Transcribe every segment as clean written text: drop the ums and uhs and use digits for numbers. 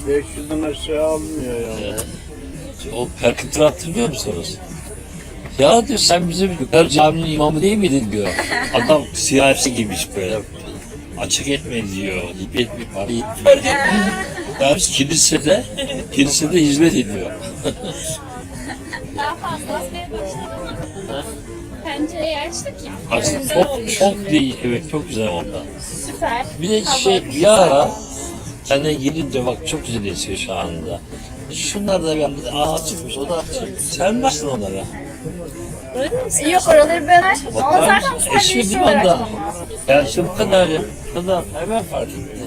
500'den aşağı almıyor ya. O perkütürü hatırlıyor musunuz? Ya diyor sen bizim yukarı caminin imamı değil miydin diyor. Adam siyasi giymiş böyle. Açık etme diyor. Hip etme parayı. Ya biz kilisede hizmet ediyor. Daha fazla asmaya başladım. Pencereyi açtık ya. Aslında çok değil. Evet çok güzel onda. Süper. Bir de bir ara kendine gelince bak çok güzel esiyor şu anda. Şunlar da bir çıkmış o da açık. Sen varsın onlara. Yok oraları ben açmadım. Ama Bakar zaten mısın? sadece Eşmi şu değil mi olarak onda? açmam lazım. Yani işte bu kadar ya. Bu kadar hemen fark etti.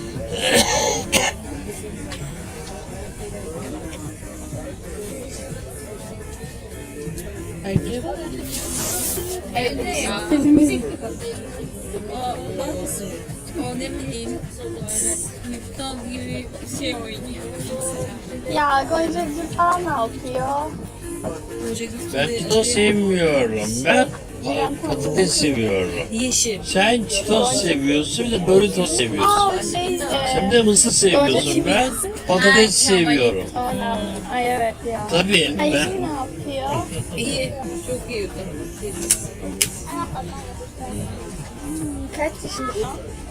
Evde müzik mi kapıyor? O ne bileyim, Nipton gibi bir şey oynuyor. Ya Gonca Gül falan ne yapıyor? Ben çitos sevmiyorum. Ben patates seviyorum. Yeşil. Sen çitos seviyorsun bir de Doritos seviyorsun. Aa Sen de mısır seviyorsun. Ben patates seviyorum. Ay evet ya. Tabii Ay ben ne yapıyor? İyi, çok iyi. Kaç yaşındasın?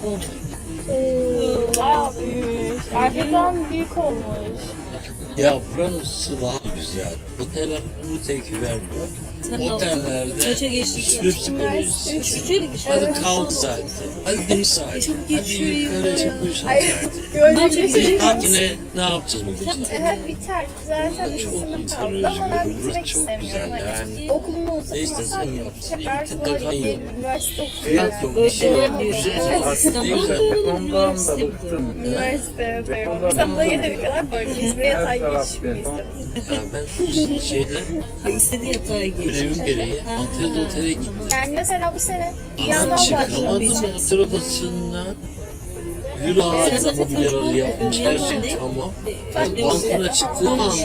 Bayağı büyük. Arkadan büyük olmuş. ya burası daha güzel. Oteller bunu tepki vermiyor. Otellerde Kaça geçtik? sürüp Üçüncü hadi kalk saati. Hadi deniz saati. Hadi yukarı çıkmış saati. Gönlüm Tatile ne yapacağız bugün? Evet biter. Zaten bir Çok sınıf kaldı insanı ama ben özgür. gitmek Burası çok istemiyorum. güzel Hani yani. okulum olsa Ne istersen kalsam yap. tekrar İyi, sonra tekrar iyi. üniversite okuyacağım. Fiyat yok. Bir şey yok. Güzel. Ne güzel. Ondan da bıktım. Üniversite okuyorum. İstanbul'a gelene kadar böyle İzmir'e yatay geçmeyi istedim. Ya ben İstediği yatağa geçti. görevim gereği Antalya'da otele gittim. Yani mesela bu sene bir Ama yandan çıkamadım başladım. otel odasından. Euro ağacına mobilyaları yapmış her şey tamam. Balkona çıktığım anda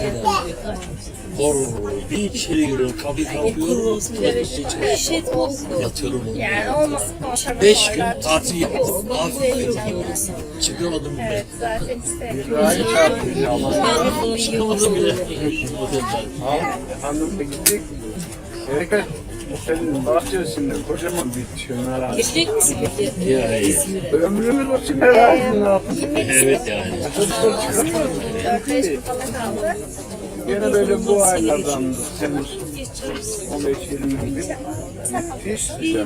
bir içeri giriyorum, kapıyı kapıyorum. Şet oldu. Yatıyorum onu. Yani olmasın konuşalım. 5 gün tatil yaptım. Aferin. Çıkamadım bile. Evet zaten isterim. Aynı çarpıyor ama. Çıkamadım bile. Otelden. Hanımla gittik. Erika otelin bahçesinde kocaman bir çömer ağacı. Geçecek misin peki? Ya iyi. Ömrümüz o çömer ağacının altında. Evet yani. Çocuklar çıkamıyor. 4-5 gün falan kaldı. Gene böyle bu aylardan Temmuz 15-20 gibi. Müthiş sıcak.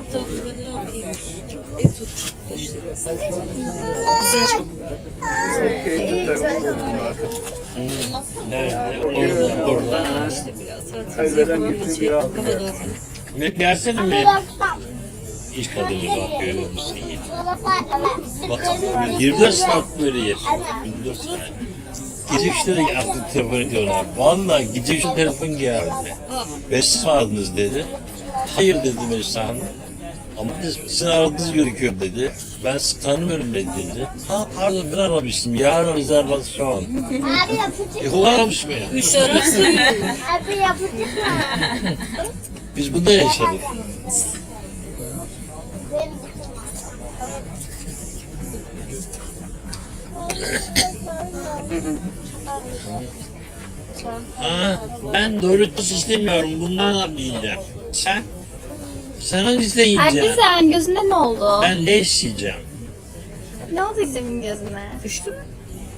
Keyifli takılıyorlar. Evet, orada. Kaybeden gitti bir aldı. Ne gelsene mi? İş kadını bak görüyor musun? Bak 24 saat böyle yaşıyor. 24 saat. Gece 3'te de artık telefon ediyorlar. Vallahi gece 3'te telefon geldi. Siz mi aradınız dedi. Hayır dedim Esra Hanım. Ama sizin aradığınız gerekiyor dedi. Ben sizi tanımıyorum dedi. Ha pardon ben aramıştım. Yarın rezervasyon. Abi yapacak. O aramış beni. 3 arası Abi yapacak. Biz bunda yaşadık. Ha, ben Doritos istemiyorum. Bundan yiyeceğim. Sen? Sen hangisini Ay yiyeceksin? güzel gözüne ne oldu? Ben leş yiyeceğim. Ne oldu güzelim gözüne? düştü mü?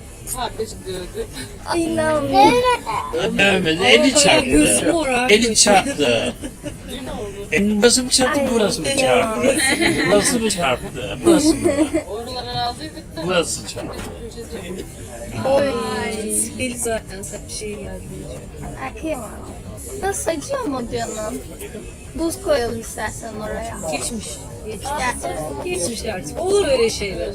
Ay inanmıyorum. Dövmedi, eli Gözüm çarptı. morar. Eli çarptı. Burası mı çarptı, burası mı çarptı? Burası mı çarptı, burası mı? Burası çarptı. Oy. Beli zaten sen bir şey geldi. Ay kıyamam. Nasıl acıyor mu canım? Buz koyalım istersen oraya. Geçmiş. Geçmiş. Gerçekten. Geçmiş artık. Olur öyle şeyler.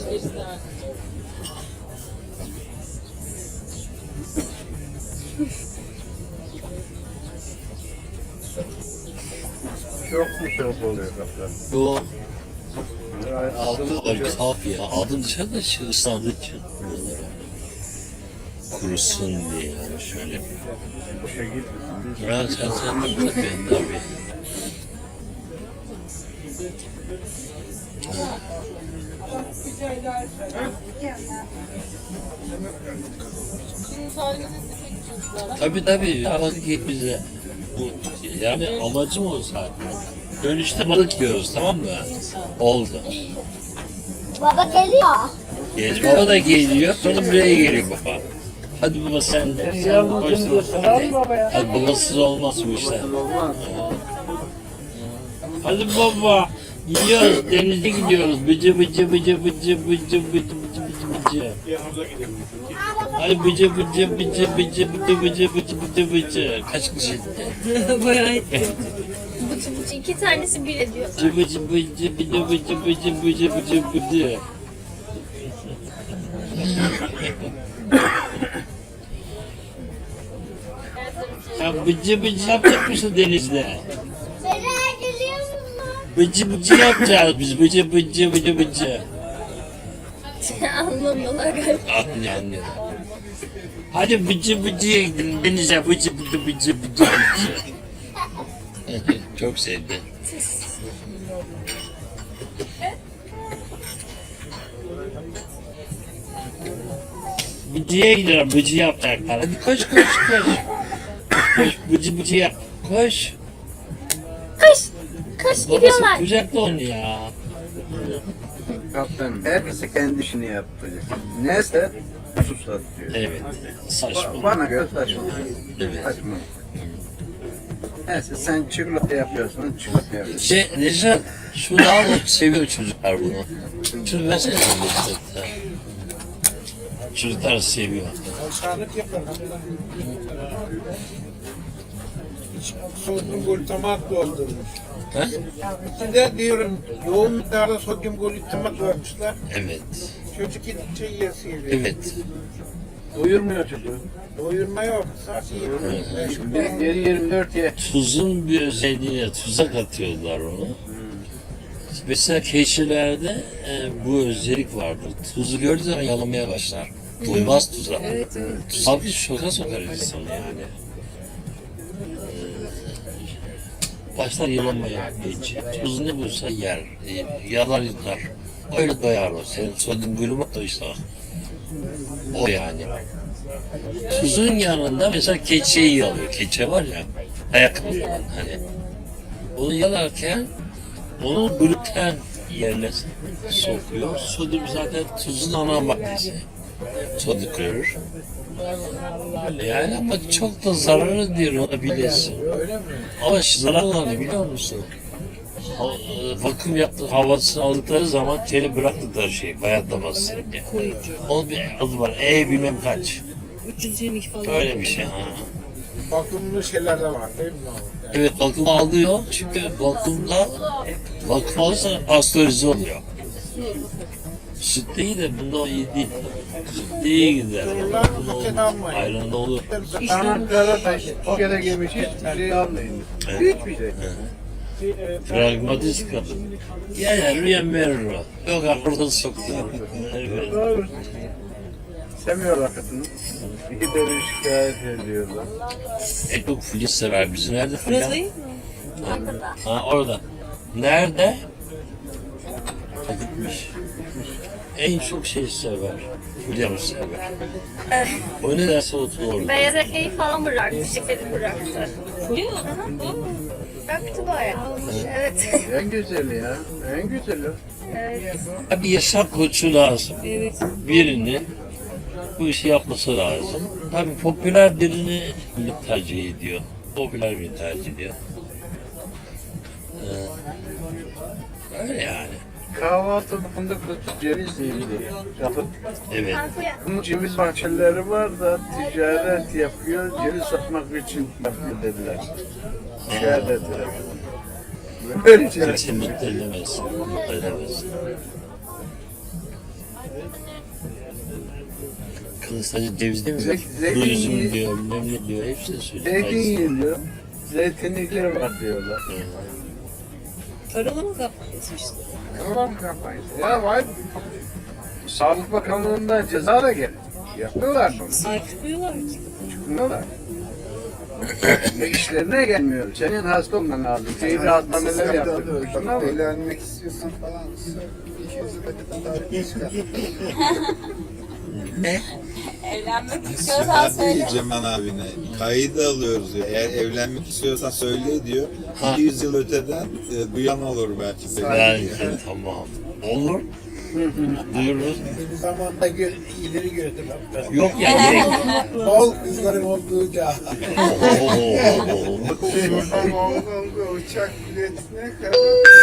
Çok mu çok oluyor kaptan? Bu Aldım kaf ya. Aldım dışarıda ıslandığı için. Kurusun diye yani şöyle. boşa gitmesin. Ben sen ben tabii. Tabii balık yiyip bize. Bu, yani amacım o zaten. Dönüşte balık yiyoruz, tamam mı? Oldu. Baba geliyor. Geç baba da geliyor, sonra buraya geliyor baba. Hadi baba sen de. Sen koşsun. Hadi babasız olmaz bu işler. Hadi baba. Gidiyoruz, denize gidiyoruz. Bıcı bıcı bıcı bıcı bıcı bıcı bıcı bıcı. Hadi bıcı bıcı bıcı bıcı bıcı bıcı bıcı bıcı bıcı. Kaç kişi? Bayağı etti. Bıcı bıcı 2 tanesi bir ediyor. Bıcı bıcı bıcı bıcı bıcı bıcı bıcı bıcı bıcı. Ya bıcı bıcı yapacak mısın denizde? Beni geliyor musun? Bıcı bıcı yapacağız biz. Bıcı bıcı bıcı bıcı. Anlamıyorlar galiba. Anlıyorum. Hadi bıcı bıcıya gidelim denize. Bıcı bıcı bıcı bıcı bıcı. Çok sevdi. Bıcıya gidelim. Bıcı yapacaklar. Hadi koş koş koş. Koş bıcı bıcı yap. Koş. Kaç Babası gidiyorlar. kucakla onu ya. Kaptanım, herkesi kendi işini yapacak. Neyse, susat diyor. Evet. Saçma. Bana göre saçma. Evet. Saçma. Neyse sen çikolata yapıyorsun, çikolata yapıyorsun. Necdet, şunu al, seviyor çocuklar bunu. Şunu versene Necdet. Çocuklar seviyor. Sodyum glutamat doldurmuş. Ha? İçinde diyorum yoğun miktarda sodyum glutamat vermişler. Evet. Çocuk yedikçe yiyesi geliyor. Evet. Doyurmuyor çocuğu. Doyurma yok. Sadece yemek. Geri 24 ye. Tuzun bir özelliğine tuza katıyorlar onu. Mesela keçilerde bu özellik vardır. Tuzu gördüğü zaman yalamaya başlar. Doymaz tuza. Tuz abi şoka sokar insanı yani. Başlar yalamaya geç. Tuz ne bulsa yer. Yalar yutar. Öyle doyar o. Senin sodyum glutamat da işte o yani. Tuzun yanında mesela keçeyi yalıyor. Keçe var ya, ayakkabı olan hani. Onu yalarken onu gluten yerine sokuyor. Sodyum zaten tuzun ana maddesi. Sodyum klorür. Yani ama çok da zararlı diyor ona bilesin. Ama zararlarını biliyor musun? Vakum yaptığı havasını aldıkları zaman teli bıraktıkları şey bayatlaması diye. Onun bir adı var. Bilmem kaç. 322 falan. Öyle bir şey. Ha. Vakumlu şeyler de var değil mi? Evet vakum alıyor. Çünkü vakumda vakum alırsa pastörize oluyor. Süt iyi de bunda o iyi değil. Süt iyi gider. Bunda olur. Ayran'da olur. Anahtar'a da o kere gelmiş hiçbir şey almayın. Hiçbir şey. Pragmatist kadın. Yani rüyan verir o. Yok akılda soktu. Evet. Doğru. Sevmiyorlar kadını. İki de şikayet ediyorlar. Çok filiz sever bizi. Nerede Burası filan? değil mi? Ha orada. Nerede? Gitmiş. En çok şey sever. Fulya sever. O ne derse otur orada. Beyaz ekmeği falan bıraktı. Şekeri bıraktı. Fulya mı? Bıraktı bayağı. Evet. En güzeli ya. En güzeli. Evet. Bir yaşam koçu lazım. Evet. Birini bu işi yapması lazım. Tabii popüler birini tercih ediyor. Popüler birini tercih ediyor. Öyle yani. Kahvaltı fındıklı ceviz yiydi. Evet. Bunun ceviz bahçeleri var da ticaret yapıyor. Ceviz satmak için yapıyor dediler. Şikayet ettiler. Böyle şeyler. Kimse mutlu edemez. Mutlu edemez. Kız sadece ceviz değil mi? Zeytin Kuru üzüm yiyor. diyor, bilmem ne diyor. Hepsini Zeytin söylüyor. yiyiliyor. Zeytinlikler var diyorlar. Taralama kampanyası işte. Tamam kampanyası. Ya var. Sağlık Bakanlığı'ndan ceza da geldi. Yapıyorlar bunu. Sahip çıkmıyorlar ki. Çıkmıyorlar. Ve işlerine gelmiyor. Senin hasta olman lazım. Zehirli hastaneler yaptırıyor. Eğlenmek istiyorsan falan. Ne? Evlenmek istiyorsan Zaten söyle. Cemal abine kaydı alıyoruz diyor. Eğer evlenmek istiyorsan söyle diyor. 200 yıl öteden duyan olur belki. Bence tamam. Olur. Duyururuz. Bir zamanda ileri gördüm. Yok ya gerek. Bol kızların olduğu çağ. Şuradan Hongkong'a uçak biletine kadar.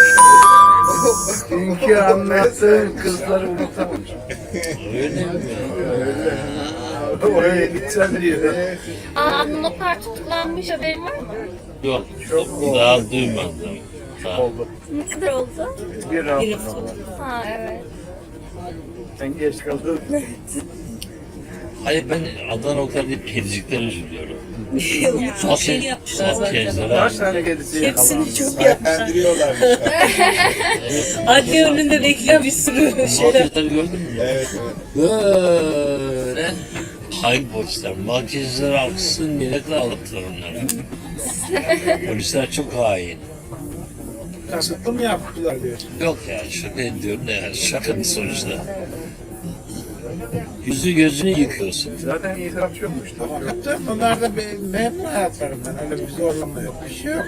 Dünkü anlattığın kızları unutamamış. Öyle mi? Oraya gideceğim diyor. Aa, Luna Park tutuklanmış, haberin var mı? Yok. Daha duymadım. Daha. Oldu. Ne kadar oldu? Bir hafta. Ha evet. Sen geç kaldın. Hayır ben Adana Oklar deyip kedicikler üzülüyorum. Çok şey yapmışlar zaten. Kaç tane kedisi yakalandı? Hepsini çok yapmışlar. Sahiplendirıyorlarmış. Adli önünde bekliyor bir sürü şeyler. Makyajları gördün mü? Evet, evet. Böyle hain polisler. Makyajları aksın diye ne kadar ağlattılar onları. Polisler çok hain. Kasıtlı mı yaptılar diyorsun? Yok ya şaka ediyorum da yani şakanın sonuçta. Yüzü gözünü yıkıyorsun. Zaten itiraf yokmuş. Hakikaten bunlar da memnun hayatlarından. Öyle bir zorlama yok. Bir şey yok.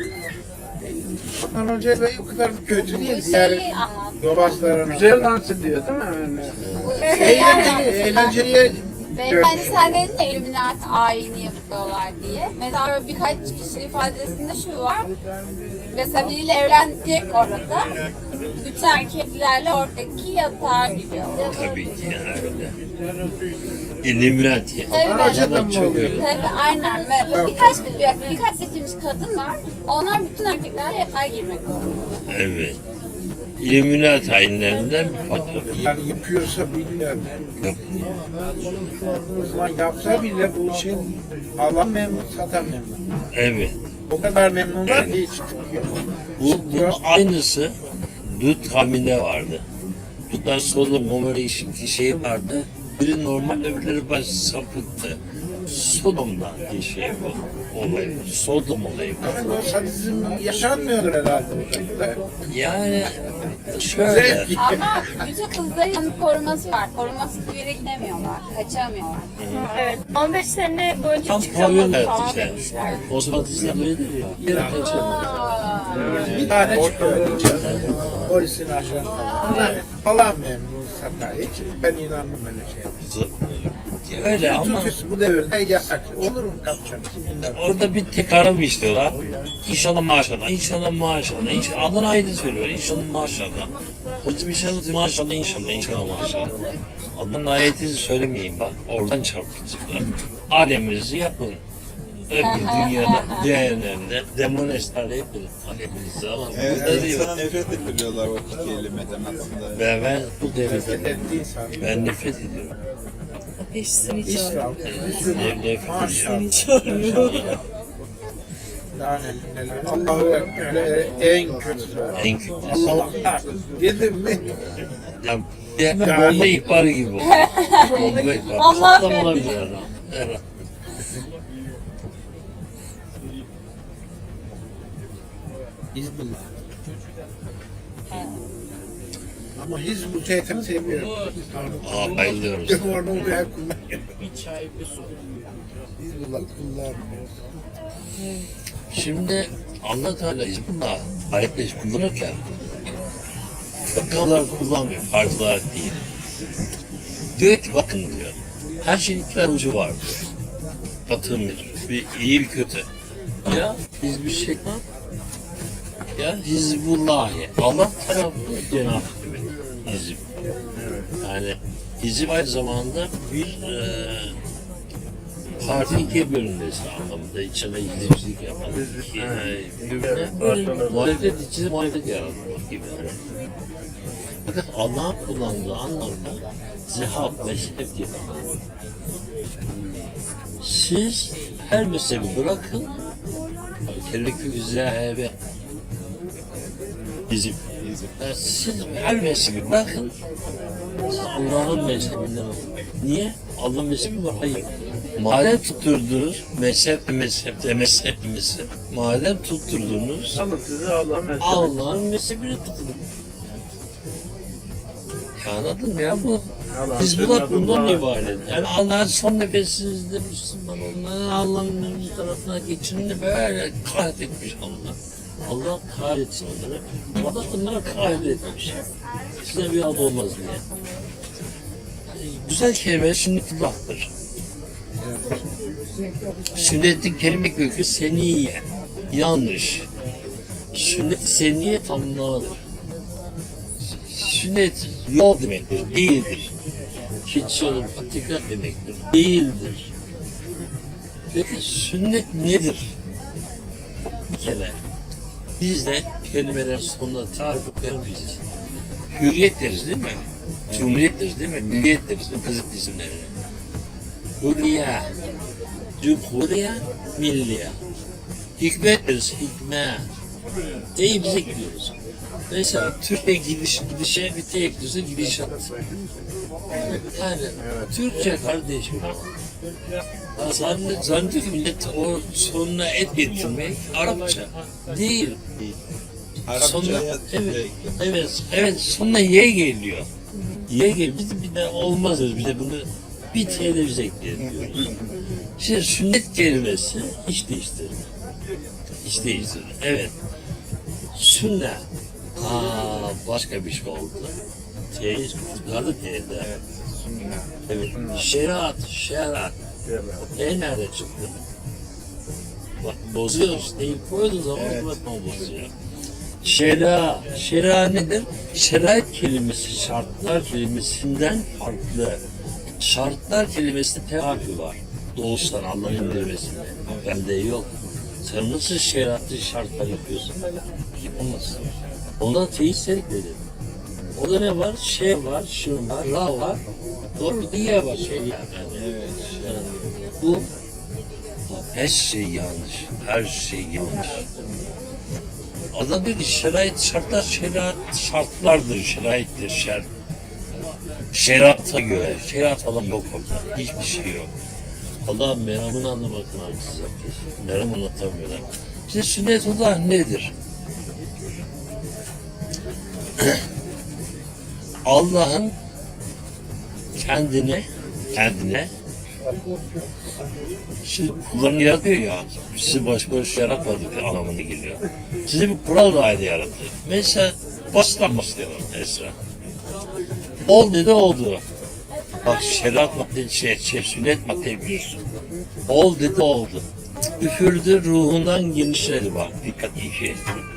Ondan önce de o kadar kötü değil. Diğer yobazların. Güzel dans ediyor değil mi? Eğlenceli. Beyefendi sen dedin ya Illuminati ayini yapıyorlar diye. Mesela böyle birkaç kişi ifadesinde şu var. Mesela biriyle evlenecek orada. Bütün erkeklerle oradaki yatağa gidiyor. Tabii ki yani öyle. İlluminati. Evet. Çok öyle. Tabii aynen. Ve birkaç seçilmiş kadın var. Onlar bütün erkeklerle yatağa girmek zorunda. Evet. İlluminati hainlerinden bir patron. Yani yapıyorsa bilmiyorum. Yok. O zaman yapsa bile bu şey alan memnun, satan memnun. Evet. O kadar memnunlar ki hiç çıkmıyor. Bunun aynısı Lut kavminde vardı. Lut'tan Sodom Gomorra şey vardı. Biri normal öbürleri baş sapıttı. Sodom'dan bir şey bu olay. Sodom olayı bu. Yani o sadizm yaşanmıyordur herhalde. Yani şöyle. Ama bütün kızların koruması var. Korumasız bir yere gidemiyorlar. Kaçamıyorlar. Evet. 15 sene boyunca Tam çıkamadı pavyon falan hayatı işte. demişler. Osman Tizden öyledir ya. Yere kaçamıyor. Bir tane çıkıyor. Polisin ajanı falan memnun satar. Hiç ben inanmam öyle şeye. Öyle ama Çünkü bu devirde yasak. Olur mu kapacak? orada bir tek ara mı istiyorlar? İnşallah maşallah, inşallah maşallah, inşallah. Adına ayrı söylüyor, inşallah maşallah. Hocam inşallah maşallah, inşallah maşallah. Adının ayetini söylemeyeyim bak, oradan çarpıcılar. Aleminizi yapın. Öbür dünyada, cehennemde, demoneslerle yapın. Aleminizi ama burada değil. İnsana nefret ettiriyorlar o iki kelimeden aslında. Ben bu devirde, Ettiği insan. ben nefret ediyorum. Eşsini çağırıyor. İslam. Nefret ediyorum. Daha neler. Allah'u Ekber en kötüsü. En kötüsü. Allah dedim mi? Ya bomba ihbarı gibi oldu. Bomba ihbarı. Allah Patlama olabilir adam. Evet. Hizbullah. Ama Hizbul şeytan sevmiyorum. Aa bayılıyorum. Onu ben kullanıyorum. Hizbullah kullanmıyor. Şimdi Allah Teala Hizbullah ayette kullanırken fıkhalar kullanmıyor, farz olarak değil. Diyor ki bakın diyor, her şeyin iki tane ucu var diyor. Batı bir iyi bir kötü. Ya biz bir şey ya Hizbullah'ı Allah tarafı cenab Hizb. Yani Hizb aynı zamanda bir parti ikiye bölünmesi anlamında içine gidicilik yapan birbirine muhalefet içinde muhalefet yaratmak gibi. Fakat Allah'ın kullandığı anlamda zihab, mezhep gibi. Siz her mezhebi bırakın, kellekü zehebe bizim. Yani siz her mezhebi bırakın, Allah'ın mezhebinden olun. Niye? Allah'ın mezhebi var. Hayır. Madem tutturdunuz, mezhep. Madem tutturdunuz, Ama size Allah'ın Allah'ın mezhebini tutun. Anladın mı ya bu? Allah Biz senden bunlar bundan Allah. ibaret. Yani Allah'ın son nefesinizde Müslüman olmanın Allah'ın bir tarafına geçince böyle kahretmiş Allah. Allah kahretsin onları. Allah onları kahretmiş. Size bir adı olmaz diye. Güzel kelime sünnetullah'tır. Sünnet-i kelime kökü seniye. Yanlış. Sünnet-i seniye tamamlamadır. Sünnet yol demektir, değildir. Hiç yolun hakikat demektir, değildir. Peki sünnet nedir? Bir kere biz de kelimeler sonunda tarif vermeyeceğiz. Hürriyet deriz değil mi? Cumhuriyet deriz değil mi? Milliyet deriz değil mi? Kızık isimlerine. Hürriye, Cumhuriye, Milliye. Hikmet deriz, hikme. D'yi bize gidiyoruz. Mesela Türkçe gidişe bir tek ekliyorsa gidişat. Yani Türkçe kardeşim. Zannediyor ki millet o sonuna et getirmek Arapça. Değil. Sonuna, evet sonuna ye geliyor. Ye geliyor. Biz bir de olmaz bir de bunu bir T'de biz ekleyelim diyoruz. Şimdi sünnet kelimesi hiç değiştirmiyor. Hiç değiştirmiyor. Evet. Sünnet. Başka bir şey oldu. Teyiz kurtardı T'de. Evet. Şeriat. Nerede çıktı? Bak bozuyoruz. Değil koyduğu zaman bozuyor. Şera nedir? Şerait kelimesi şartlar kelimesinden farklı. Şartlar kelimesinde tek harfi var. Doğuştan Allah'ın indirmesinde. Bende yok. Sen nasıl şeriatlı şartlar yapıyorsun? Yapamazsın. Onda teistlik dedim. Orada ne var? Var, şun var, ra var. Doğru diye var şey yani. Evet. Yani bu her şey yanlış. Her şey yanlış. Adam dedi şerait şartlar, şartlardır, şeraittir, şerata göre. Şerat falan yok orada. Hiçbir şey yok. Allah meramını anlamaktan haksız yapıyor. Meram anlatamıyorlar. İşte sünnetullah nedir? Allah'ın kendine şimdi kullarını yaratıyor ya, sizi boş yaratmadık anlamına geliyor. Size bir kural daire yarattı. Mesela basından başlayalım Esra. Ol dedi oldu. Bak şeriat madde, sünnet madde biliyorsun. Ol dedi oldu. Üfürdü ruhundan genişledi bak. Dikkat iyi şey.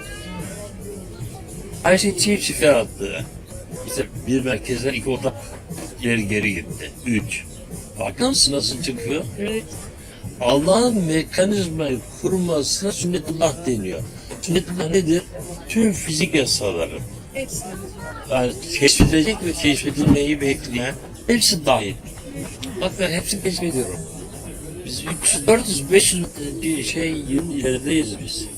Her şey çift yarattı. İşte bir merkezden iki ortak geri gitti. 3. Bakar mısın nasıl çıkıyor? Evet. Allah'ın mekanizmayı kurmasına sünnetullah deniyor. Sünnetullah nedir? Tüm fizik yasaları. Yani keşfedilecek ve keşfedilmeyi bekleyen hepsi dahil. Bak ben hepsini keşfediyorum. Biz 300, 400, 500 yıl ilerideyiz biz.